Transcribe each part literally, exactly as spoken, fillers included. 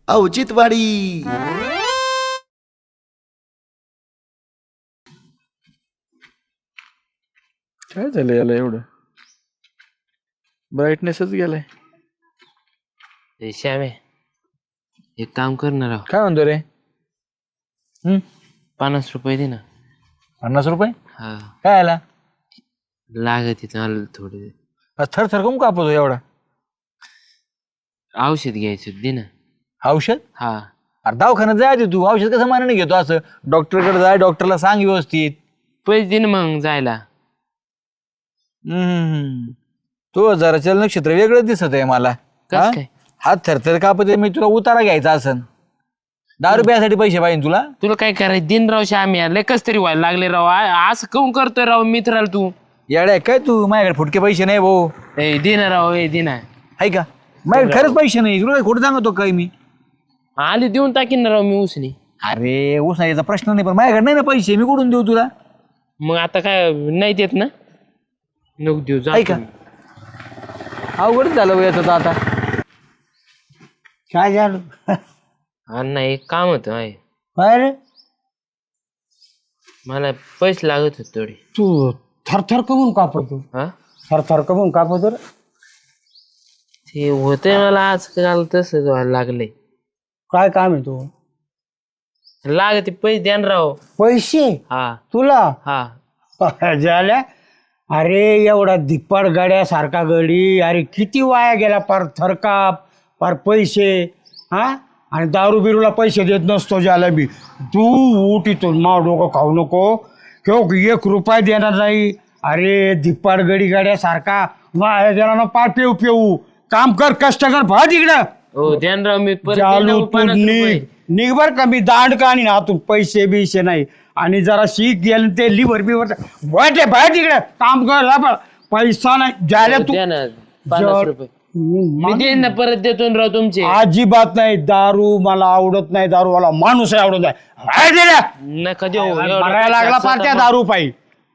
औचित्यवाडी. काय झालं याला एवढं ब्राईटनेसच गेलाय. श्यामे एक काम करणार आहो. काय म्हणतो रे? हम्म पन्नास रुपये दे ना. पन्नास रुपये हा काय आला? लागत मला थोडे. थर थर कम कापतो एवढा? औषध घ्यायचं दे ना. औषध? हा अरे दवाखान्यात जायचे तू, औषध कसं मानाने घेतो असं? डॉक्टरकडे जाय, डॉक्टरला सांग व्यवस्थित. पैसे दे ना मग जायला. हम्म तो जरा चल नक्षत्र वेगळं दिसत आहे मला. कस काय? हात थरथर कापत मी तुला उतारा घ्यायचा असन. दहा रुपयासाठी पैसे पाहिजे तुला? तुला काय करायचं दिन राव श्यामे, लय कस तरी व्हायला लागले राव. आ- असं काऊन करतोय राव मित्राला तू? येड्या काय तू? माझ्याकडे फुटके पैसे नाही भाऊ. ए दे ना राव, ए दे ना. आहे का? माझ्याकडे खरंच पैसे नाही. तुला काय खोटं सांगतो काय मी? आले देऊन टाकीन ना राव मी उसने. अरे उसायचा प्रश्न नाही, पण माझ्याकडे नाही ना पैसे. मी कुठून देऊ तुला? मग आता काय नाही देत ना? नको देऊ जा. आहे का? अवघड झालं बघ याचं तर आता. काय झालं? अण्णा एक काम होतं आहे. काय रे? मला पैसे लागत होते थोडे. तू थरथर कमून कापतो? हा थरथर कमून कापतो रे? ते होतंय मला आजकाल तसंच व्हायला लागलंय. काय काम आहे तू? लागते पैसे द्या ना राव. पैसे हा तुला? हा झाल्या. अरे एवढा धिप्पाड गाड्यासारखा गडी, अरे किती वाया गेला. पार थरकाप, पार पैसे. हा आणि दारू बिरूला पैसे देत नसतो ज्याला बी. तू उठ इथून, माव डोकं खाऊ नको. किंवा एक रुपया देणार नाही. अरे धिप्पाड गडी गाड्यासारखा वाया गेला ना. पार पेऊ पेऊ काम कर, कष्ट कर, भा तिकडं. हो द्या ना राव. मी परत देईन चालू ना तू पन्नास रुपये. निघ निघ बर का. मी दांड का आणि हातून पैसे बिशे नाही. आणि जरा शीख गेलं ते लिव्हर बिव्हर वाटे बाहेर तिकडे काम कर. हा, पैसा नाही ज्याला हो, तू द्या ना पन्नास रुपये. मी देईन ना परत देतो ना राव तुमचे. अजिबात नाही. दारू मला आवडत नाही. दारू वाला माणूस आहे आवडत नाही. नका देऊ. एवढं मरायला पैसे लागला पार असतं त्या तर दारू पायी.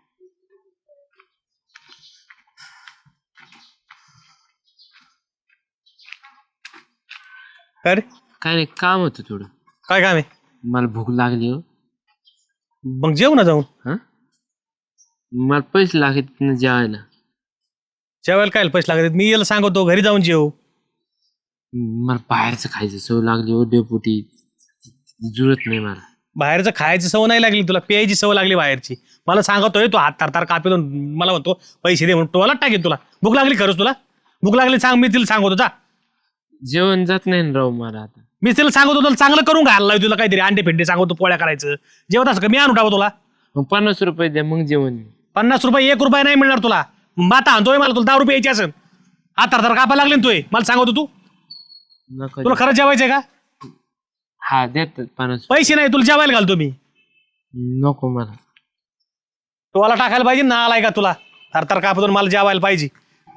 अरे काय नाही काम होतं थोडं. काय काम आहे? मला भूक लागली हो. मग जेव ना जाऊन. हा मला पैसे लागत ना जेवायला. जेवायला काय पैसे लागतात? मी याला सांगतो घरी जाऊन जेव. मला बाहेरचं खायचं सवय लागली हो डेपुटी. जुळत नाही मला. बाहेरचं खायची सवय नाही लागली तुला, प्यायची सवय लागली बाहेरची. मला सांगतोय तू हात तार तार कापितो, मला म्हणतो पैसे दे म्हणून टोला टाकेन तुला. भूक लागली खरंच तुला? भूक लागली सांग, मी तिला सांगतो जा. जेवण जात नाही ना राव मला आता. मी तिला सांगतो तुला चांगलं करून घालला लावतो तुला काहीतरी अंडे फेंडे सांगतो पोळ्या करायचं. जेवत असं का मी आणून टाकू तुला? मग पन्नास रुपये द्या मग जेवण. पन्नास रुपये एक रुपये नाही मिळणार तुला. माता आणतोय मला, तुला दहा रुपये यायची असेल. हात तार तार कापायला लागले ना तू. मला सांगतो तू नका तुला खरंच जेवायचंय का? हा देत पन्नास. पैसे नाही तुला जेवायला घालतो मी. नको मला. टोला टाकायला पाहिजे ना आलाय का तुला? थरथर कापतो मला जेवायला पाहिजे.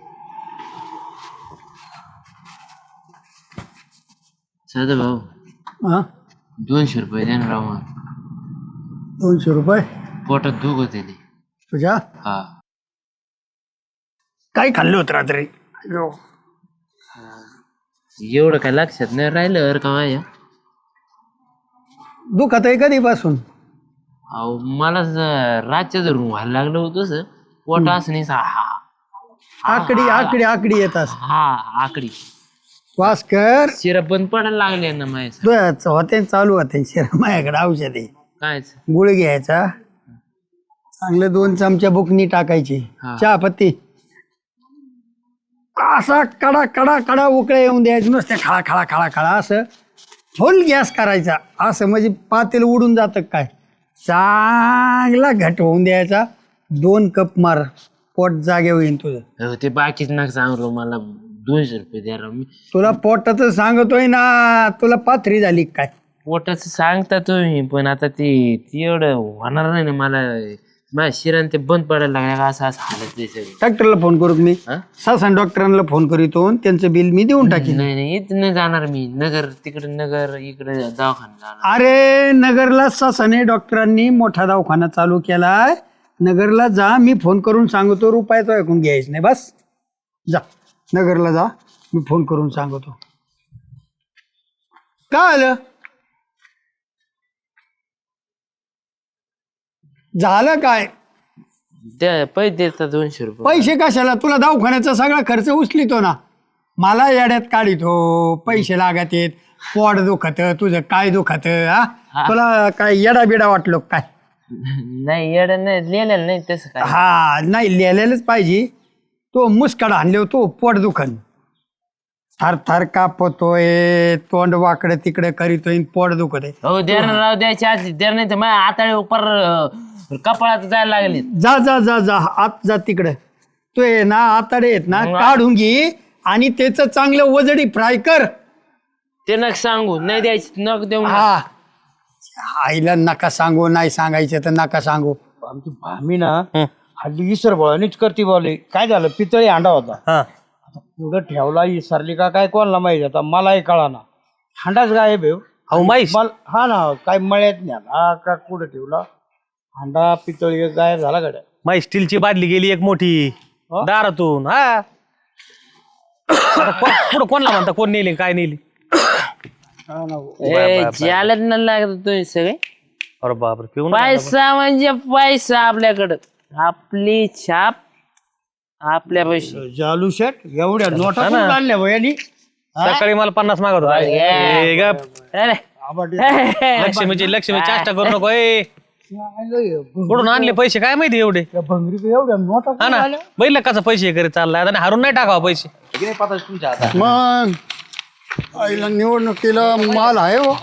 साधा भाऊ हा दोनशे रुपये द्या ना राव मला. दोनशे रुपये पोटात दुख होते ते. तुझ्या? हा काय खाल्लं होतं रात्री? अयो. एवढं काय लक्षात नाही राहिलं अर का माझ्या. दुखत आहे कधीपासून? अहो मला ज- रातच्या धरून व्हायला लागलं होतं सर. पोट असं नाही सा- हा आकडी आकडी आकडी येतात. हा आकडी वास कर. शिरा बंद पडायला लागले ना माझ्या. तुझ्याच होते चालू होते शिरा. माझ्याकडे औषध आहे. काय गुळ घ्यायचा, चांगले दोन चमच्या बुकनी टाकायची, हा. चहा पत्ती, असा कडा कडा कडा उकळ्या येऊन द्यायचं. नुसते खळा खळा खळा खळा असं फुल गॅस करायचा. असं म्हणजे पातेल उडून जातं काय. चांगला घट होऊन द्यायचा. दोन कप मार, पोट जागे होईन तुझं. अहो, ते बाकीच ना सांगलो मला दोनशे रुपये द्या राव. मी तुला पोटाचं सांगतोय ना. तुला पाथरी झाली काय? पोटाचं सांगता तुम्ही पण आता ते ती एवढं होणार नाही ना मला. माझ्या शिरान ते बंद पडायला लागल्या का असं असं हालत ते सगळं. डॉक्टरला फोन करू मी? हा? सासन डॉक्टरांना फोन करीतो, त्यांचं बिल मी देऊन टाकीन. नाही नाही इथं नाही जाणार मी. नगर तिकडे नगर इकडे दवाखाना जाणार. अरे नगरला सासने डॉक्टरांनी मोठा दवाखाना चालू केलाय. नगरला जा, मी फोन करून सांगतो. रुपयाचं ऐकून घ्यायचं नाही. बस जा नगरला जा, मी फोन करून सांगतो. काय आलं झालं काय द्या पैसे देतात दोनशे रुपये पैसे कशाला तुला दवाखान्याचा सगळा खर्च उचलितो ना मला येड्यात काढितो पैसे लागत आहेत पोट दुखत तुझं काय दुखत हा तुला काय येडा बिडा वाटलो काय नाही येड नाही लिहिलेलं नाही तसं काय हा नाही लिहिलेलंच पाहिजे तो मुस्काड आणले तो पोट दुखन थर थर कापतोय तोंड वाकडं तिकडे करीतोय पोट दुखत आहे हो द्या ना राव द्यायच्या आधी द्या नाही तर माझ्या आताळे उपर कपाळात जायला लागले जा जा जा जा आत जा तिकडे तो आहे ना आताडे आहेत ना काढून घे आणि त्याचं चांगलं वजडी फ्राय कर ते नक सांगू नाही द्यायची नक देऊ नका. हा आईला नका सांगू नाही सांगायचं तर नका सांगू आमची भामी ना हल्ली इसर बळानीच करते बोले काय झालं पितळी हांडा होता हा आता पुढं ठेवला इसरली का काय कोणाला माहिती आता मलाही कळाना हांडाच गायब आहे हो. अहो माहीत मला हा ना काय मळ्यात न्याला का कुठं ठेवला हांडा पितळी गायब झाला गड्या माहीत स्टीलची बादली गेली एक मोठी दारातून हा आता कोण- पुढं कोणला म्हणता कोण नेली काय नेली हा ना हो. ए, ज्यालाच नाही लागत तुम्ही सगळे अरे बापरे पिऊन आला पैसा म्हणजे पैसा आपल्याकडं आपली छाप आपल्या पैसे जालू शेट एवढ्या नोटा कुठून आणल्या हो यांनी बा. सकाळी मला पन्नास मागत होता ए, गप. अरे लक्ष्मीची लक्ष्मी चाष्टा करू नको ए कुठून आणले पैसे काय माहिती एवढे भंगरी एवढ्या नोटा हा ना बैल कसा पैसे करे चाललाय आणि हारून नाही टाकावा पैसे मग आईला निवडणुकीला माल आहे हो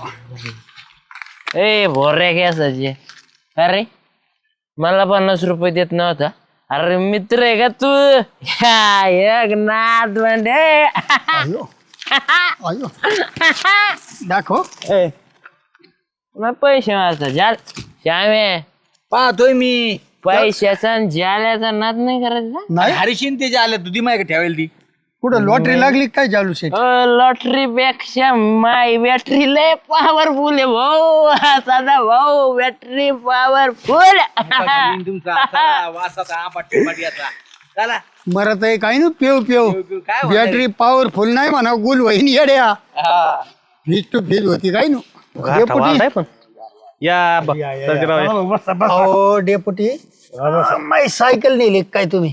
ए भोर्या घ्यासाचे अरे मला पन्नास रुपये देत नव्हता अरे मित्र आहे का तू ह्या, एक नाद म्हणजे अयो अयो दाखव ए मग पैसे मारता जाल श्यामे पाहतोय मी पैशाचा आणि जाल्याचा नाद नाही करायचा नाही हरिशीन ते जे आले तुझी माहिती ठेवायला ती कुठं लॉटरी लागली काय चालू शेट लॉटरी पेक्षा माय बॅटरी लय पॉवरफुल आहे भाऊ सदा भाऊ बॅटरी पॉवरफुल मरत आहे काय ना पेव पेव बॅटरी पॉवरफुल नाही म्हणा गुल वहीन येड्या फीज टू फीज होती काय नु डेपुटी पण या ब- सर्जेराव या. अहो डेपुटी माई सायकल नेली काय तुम्ही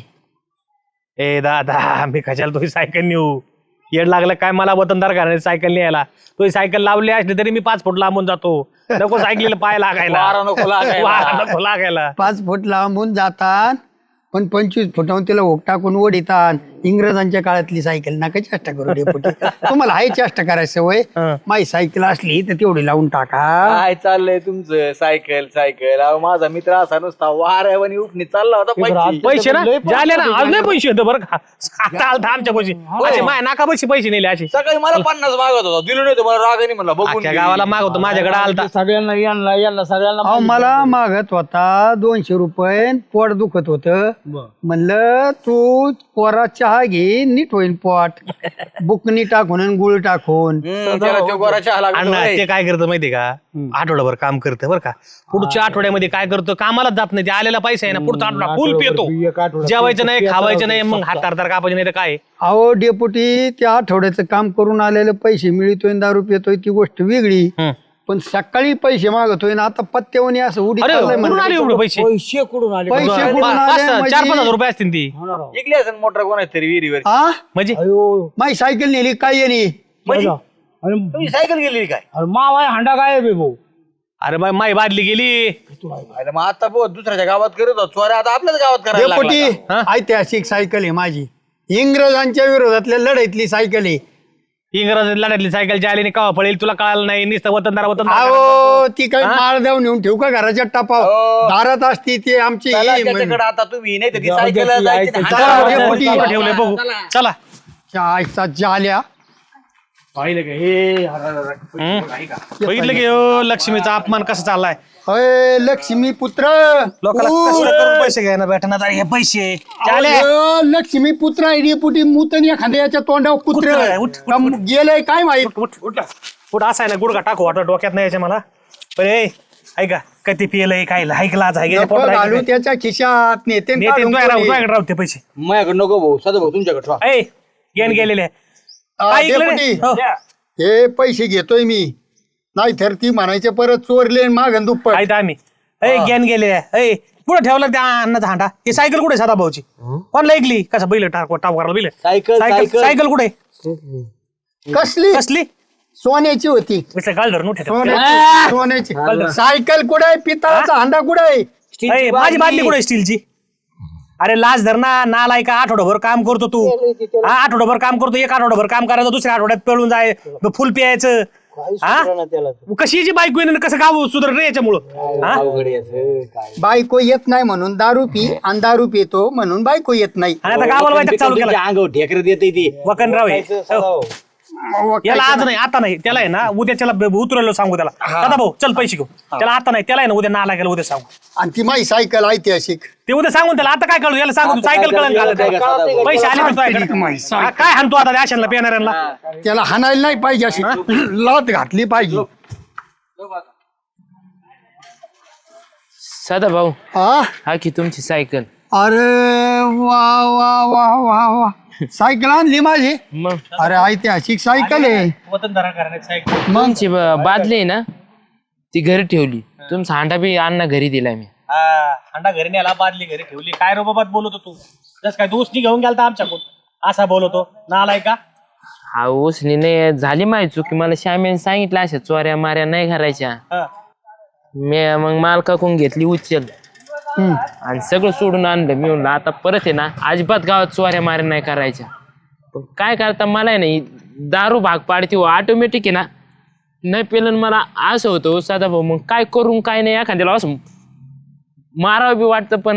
ए दादा मी कशाला तुझी सायकल नेऊ येड लागलं काय मला वतनदार घराने सायकल न्यायला तुझी सायकल लावली असली तरी मी पाच फूट लांबून जातो नको सायकलीला पाय लागायला वारा नको लागायला. वारा नको लागायला पाच फूट लांबून जातात पण पंचवीस फुटावून तिला ओक टाकून ओढितात इंग्रजांच्या काळातली सायकल नका चेष्टा करू डेपुटी तुम्हाला हाय चेष्टा करायची सवय हं. माई सायकल असली तर तेवढी लावून टाका काय चाललंय तुमचं सायकल सायकल अहो माझा मित्र असा नुसता वाऱ्यावानी उठणी चालला होता पैसे. पैसे ना झाले ना आज नाही पैसे होते बरं का आता आलता आमच्या पैसे असे माय नाका पैसे पैसे नेले असे सकाळी मला पन्नास मागत होता दिलो नाही मला रागाने म्हणला बघून अख्ख्या घे. गावाला मागवतो माझ्याकडे आलता सगळ्यांना यांना यांना सगळ्यांना अहो मला मागत होता दोनशे रुपये पोट दुखत होत म्हणलं तू पोरा चहा घे नीट होईल पोट बुकनी टाकून आणि गुळ टाकून हम्म, त्याला तो गोरा चहा लागतो अण्णा होय. ते काय करतं माहितीये का आठवड्याभर काम करतं बरं का पुढच्या आठवड्यामध्ये काय करतो कामालाच जात नाही ते आलेला पैसा आहे ना पुढचा आठवडा फुल पितो एक आठवडा जेवायचं नाही खावायचं नाही मग हात तार तार कापायचे नाही तर काय अहो डेपुटी त्या आठवड्याचं काम करून आलेले पैसे मिळतोय दारू पितोय ती गोष्ट वेगळी हं. पण सकाळी पैसे मागतोय ना आता पत्त्यावणी असं उडी अरे चाललंय कुठून आले म्हणलं. एवढे पैसे पैसे कुठून आले पैसे कुठून पाच आले सहा- चार पाच हजार म्हणजे- रुपये असतील ती इकले असेल मोटर कोणाच तरी विहिरीवर आ म्हणजे माई सायकल नेली काय येणे म्हणजे तुम्ही सायकल गेली काय मावा हांडा काय भाऊ अरे बाई माई बादली गेली अरे मग आता बघ दुसऱ्याच्या गावात करत होतो चोऱ्या आता आपल्याच गावात करायला डेपुटी लागला का? ऐतिहासिक सायकल आहे माझी इंग्रजांच्या विरोधातल्या लढाईतली सायकल आहे इंग्रज लढ्यातली सायकल जी आली कवा पडेल तुला कळालं नाही नुसतं वतनदार वतनदार अहो ती काही माळ देऊन नेऊन ठेवू का घराच्या टपाव हो. दारात असती ती आमची चला ही म्हण- त्याच्याकडे आता तुम्ही नाही तर ती सायकल जायची नाही. चला, हांडा- डेपुटी. चला, ठेवले बघू चला आयचा जाल्या पाहिलं का हे अरे, अरे, अरे. हं? बघितलं की हो, लक्ष्मीचा अपमान कसा चाललाय अय लक्ष्मी पुत्र लोकांना ऊ, कष्ट करून पैसे घ्यायला भेटणार हे पैसे चाले. अहो, लक्ष्मी पुत्र आहे डेपुटी मुतन एखाद्या याच्या तोंडावर कुत्र कुत्रं आहे, उठ, उठ, कम- गेलंय काय माहित उठ उठ उठ असा आहे ना गुडघा टाकू वाटत डोक्यात नाही याच्या मला पण ए ऐका कधी पियलंय काय ऐकलाच आहे याच्या नको पोटात घालू आहे. त्याच्या खिशात नेते नेते तुझ्याकडे राहू, तुझ्याकडे राहू ते पैसे माझ्याकडे नको भाऊ सदा भाऊ तुमच्याकडे ठेवा. ए गेन गेलेले काय ऐकलं रे? डेपुटी हो. हे पैसे घेतोय मी नाही तर ती म्हणायचे परत चोरले मागं दुप्पट. आहेत आम्ही ए गेन गेले ए कुठं ठेवलं त्या अन्नाचा हांडा ही सायकल कुठे साधा भाऊची कोणला ऐकली कसा बैल टाक टाप करायला बैल सायकल सायकल सायकल कुठे कसली कसली सोन्याची होती. काल धरून उठे सोन्याची सोन्याची सायकल कुठे आहे पितळाचा हांडा कुठे आहे. ए, माझी बादली कुठे स्टीलची अरे लाज धर ना नालाय का आठवडाभर काम करतो तू हा आठवडाभर काम करतो एक आठवडाभर काम करायचं दुसऱ्या आठवड्यात पळून जाय फुल प्यायचं हा कशी बायको येणं कसं गाव सुधर रे याच्यामुळं हा बायको येत नाही म्हणून दारू पी आणि दारू पितो म्हणून बायको येत नाही. आणि आता गावाला वाईट चालू केलं अंगावर ढेकर देते ती वकनराव हे. हो. याला आज नाही आता नाही त्याला आहे ना उद्या त्याला उतरलो सांगू त्याला दादा भाऊ चल पैसे घेऊ त्याला आता नाही त्याला आहे ना उद्या नाला गेला उद्या सांगू आणि ती माझी सायकल ऐतिहासिक. ते उद्या सांगून त्याला आता काय कळू याला सांगू तू सायकल कळण घालत पैसे आले तर तुझ्याकडे. हा, काय हाणतो आता अशांना पेणाऱ्यांना त्याला हाणायला नाही पाहिजे अशी लात घातली पाहिजे. सदा भाऊ हा हा की तुमची सायकल. अरे वा वा वा वा वा सायकल आणली माझी. मग अरे ऐतिहासिक सायकल आहे. वतनदारा करण्याची सायकल तुमची ब- बादली आहे ना ती घरी ठेवली तुमचा हांडा बी अण्णा घरी दिला मी. हा अंडा घरी नेला बादली घरी ठेवली काय रो बाबा बोलतो तू जस काय दोस्ती घेऊन गेलता आमच्याकडून असा बोलतो नालाय का हा उसनी नाही झाली माहिती चुकी मला श्यामेने सांगितलं अशा चोऱ्या माऱ्या नाही करायच्या. हा. मी मग मालकाकडून घेतली उचल आणि सगळं सोडून आणलं. मी म्हणलं आता परत आहे ना अजिबात गावात चोऱ्या माऱ्या नाही करायच्या. पण काय करता मला आहे ना दारू भाग पाडते ऑटोमॅटिक आहे ना नाही पेलं मला असं होतं साधा भाऊ मग काय करून काय नाही एखाद्याला असं मारावं बी वाटतं पण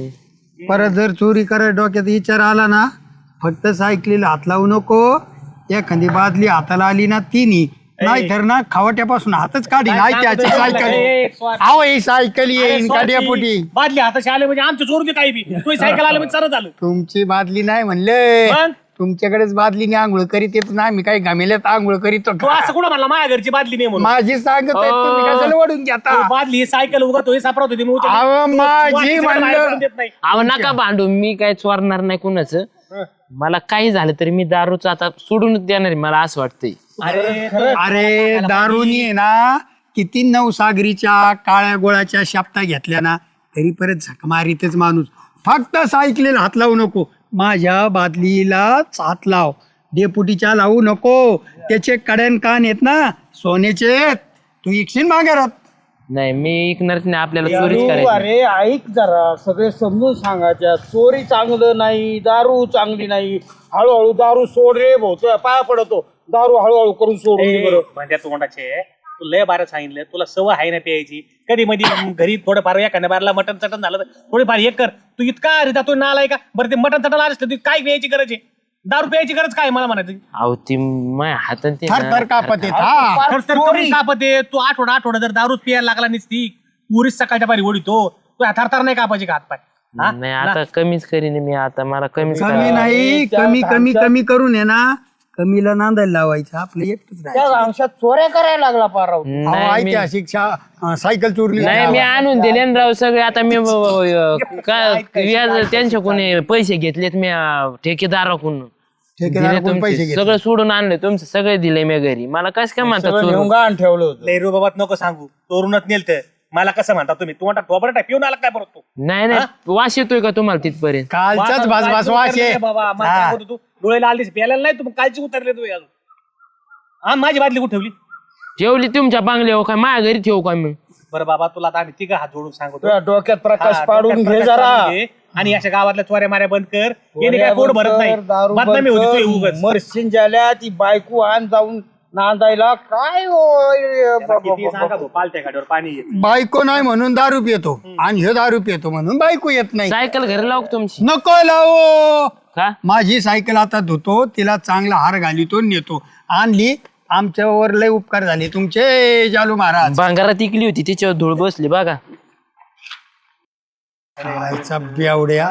परत जर चोरी करायला डोक्यात विचार आला ना फक्त सायकलीला हात लावू नको. एखादी बादली हाताला आली ना तिन्ही नाही तर ना खावट्यापासून हातच काढी नाही त्याची सायकल. अहो ही सायकल येईन काड्यापोटी. बादली हाताशी आले म्हणजे आमच्या चोरून काही बी तू सायकल आलं म्हणजे सरळ झालं तुमची बादली नाही म्हणले मग? तुमच्याकडेच बादलीने आंघोळ करीत येत ना आम्ही काही घामेल्यात आंघोळ करीतो. तू असं कुठं म्हणला माझ्या घरची बादली नाही म्हणून माझी सांगत आहे, तुम्ही कशाला वडून घेता. तू बादली ही सायकल उगत होई सापडत होती मी उचलली. अहो तू माझी वाटीचं बाहेर म्हणलं पडून देत नाही. अहो नका भांडू मी काय चोरणार नाही कुणाचं. मला काही झालं तरी मी दारूच आता सोडूनच देणार आहे मला असं वाटतंय. अरे अरे दारुनी आहे ना किती नवसागरीच्या काळ्या गोळाच्या शाप्ता घेतल्या ना तरी परत झक मारीतच माणूस. फक्त सायकलीला हात लावू नको. माझ्या बादलीला हात लाव डेपुटीच्या लावू नको. त्याचे कड्यान कान येत ना सोन्याचे तू इकशील माघारात. नाही मी ऐकणारच नाही आपल्याला चोरीच करायची. अरे ऐक जरा सगळे समजून सांगायच्या चोरी चांगलं नाही दारू चांगली नाही. हळूहळू दारू सोड रे भाऊ तुझ्या पाया पडतो दारू हळूहळू करून सोडून दे बरं. म्हणजे तोंडाचे तू लय बारा सांगितलं तुला सवय आहे ना प्यायची कधी मध्ये घरी थोडंफार एखाद्या बारला मटन चटन झालं तर थोडीफार हे कर तू इतका अरे तो नालाय का बरं ते मटन चटन आलं तू काय प्यायची गरज आहे दारू प्यायची गरज काय मला म्हणायचं अहो ती माझ्या हातात ते थर थर कापत येत. हा तर तर कमी कापत आहे तू आठवडा आठवडा जर दारूच प्यायला लागला नसती पुरीच सकाळच्या पारी ओढितो तू थरथर नाही कापायची का हातपाय हा? नाही आता कमीच करीन मी आता मला कमीच कमी करावं. नाही कमी कमी कमी करून आहे ना कमीला नांदायला लावायचं आपलं एकटंच राहायचं. त्या अंशात चोऱ्या करायला लागला पाराव. अहो, नाही मी- ऐतिहासिक शा- अं, सायकल चोरली नाही मी आणून दिले ना राव सगळे आता मी अं, काय व्याज त्यांच्याकडून पैसे घेतलेत मी अं, ठेकेदाराकडून दिले ठेकेदाराकडून पैसे तुमचे घेतले. सगळं सोडून आणले तुमचे सगळे दिले मी घरी मला कसं काय म्हणतात सगळं चोरून? नेऊन गाण ठेवलं होतं. लय रो बाबा नको सांगू चोरूनच नेलत मला कसं म्हणता तुम्ही तू म्हणता टोबरा टाक पिऊन आला काय परत तू नाही नाही वास येतोय का तुम्हाला तिथपर्यंत कालचाच भास भास वास आहे. बाबा मला हा. सांगतो तू डोळ्याला आलीस प्यायला नाही तू मग कालची उतरले तू अजून हा माझी बादली कुठे ठेवली ठेवली तुमच्या बांगल्यावर काय माझ्या घरी ठेवू काय मग बरं बाबा तुला आता आम्ही तिघं हात जोडून सांगतो तुझ्या डोक्यात प्रकाश हा, पाडून डोक्यात घे प्रकाश जरा. पाडून घे. आणि अशा गावातल्या चोऱ्या माऱ्या बंद कर येणे काय पोट भरत नाही दारू बदनामी होती तुझी उगाच. मरशीन झाल्या ती बायको आण जाऊन नांदायला काय होय त्याला किती सांगा भाऊ, पालत्या गाडीवर पाणी येत बायको नाही म्हणून दारू पितो आणि हे दारू पितो म्हणून बायको येत नाही. सायकल घरी लावू का तुमची नको लावो. का माझी सायकल आता धुतो तिला चांगला हार घालितो नेतो आणली आमच्यावर लय उपकार झाले तुमचे जालू महाराज. भांगारात इकली होती तिच्यावर धूळ बसली बघा खायचा बेवड्या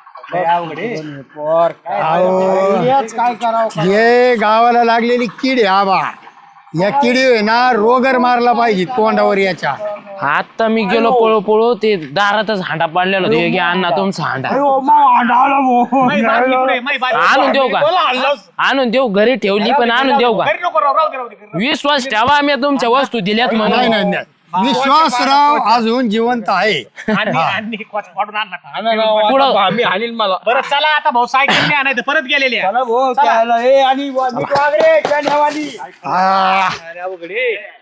काय करावं हे गावाला लागलेली कीड आहे आबा या किडी आहे ना रोगर मारला पाहिजे तोंडावर याच्या आता मी गेलो पळो पळो ते दारातच हांडा पाडलेला होता योगी अण्णा तुमचा हांडा आणून देऊ का आणून देऊ घरी ठेवली पण आणून देऊ का विश्वास ठेवा मी तुमच्या वस्तू दिल्यात नाही म्हणून नाही नाही विश्वासराव अजून जिवंत आहे. पुढं बरं चला आता भाऊ सायकल नाही आणायचं परत गेलेले आहे. आ,